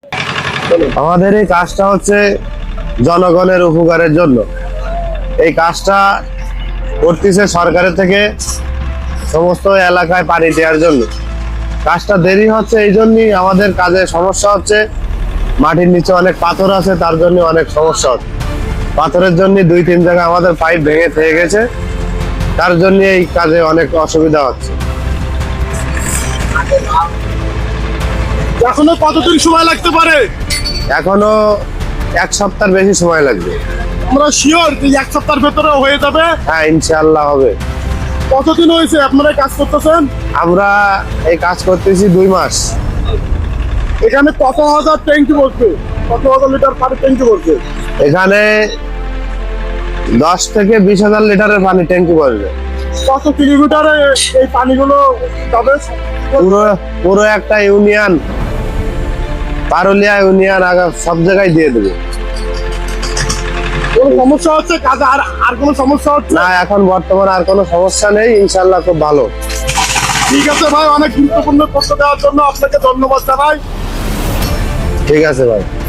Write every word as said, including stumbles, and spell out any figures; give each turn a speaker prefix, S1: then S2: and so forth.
S1: আমাদের এই কাজটা হচ্ছে জনগণের উপকারের জন্য। এই কাজটা করতেছে সরকারের থেকে সমস্ত এলাকায় পানি দেওয়ার জন্য। কাজটা দেরি হচ্ছে এই জন্যই আমাদের কাজে সমস্যা হচ্ছে। মাটির নিচে অনেক পাথর আছে, তার জন্য অনেক সমস্যা হচ্ছে। পাথরের জন্য দুই তিন জায়গায় আমাদের পাইপ ভেঙে থেকে গেছে, তার জন্য এই কাজে অনেক অসুবিধা হচ্ছে।
S2: এখনো কতদিন সময় লাগতে পারে?
S1: এখনো এক সপ্তাহের বেশি সময় লাগবে।
S2: আমরা শিওর যে এক সপ্তাহের ভেতরে হয়ে যাবে?
S1: হ্যাঁ, ইনশাআল্লাহ হবে।
S2: কতদিন হয়েছে আপনারা এই কাজ করতেছেন?
S1: আমরা এই কাজ করতেছি দুই মাস।
S2: এখানে কত হাজার ট্যাঙ্কি বসবে? কত হাজার লিটার পানি ট্যাঙ্কি বসবে?
S1: এখানে দশ থেকে বিশ হাজার লিটারের পানি ট্যাঙ্কি বসবে।
S2: কত কিলোমিটারে এই পানিগুলো যাবে?
S1: পুরো পুরো একটা ইউনিয়ন, পারুলিয়া ইউনিয়ন আগা সব জায়গায় দিয়ে দেবে।
S2: কোনো সমস্যা হচ্ছে কাজে? আর আর কোনো সমস্যা হচ্ছে
S1: না, এখন বর্তমানে আর কোনো সমস্যা নেই, ইনশাল্লাহ খুব ভালো।
S2: ঠিক আছে ভাই, অনেক গুরুত্বপূর্ণ তথ্য দেওয়ার জন্য আপনাকে ধন্যবাদ জানাই।
S1: ঠিক আছে ভাই।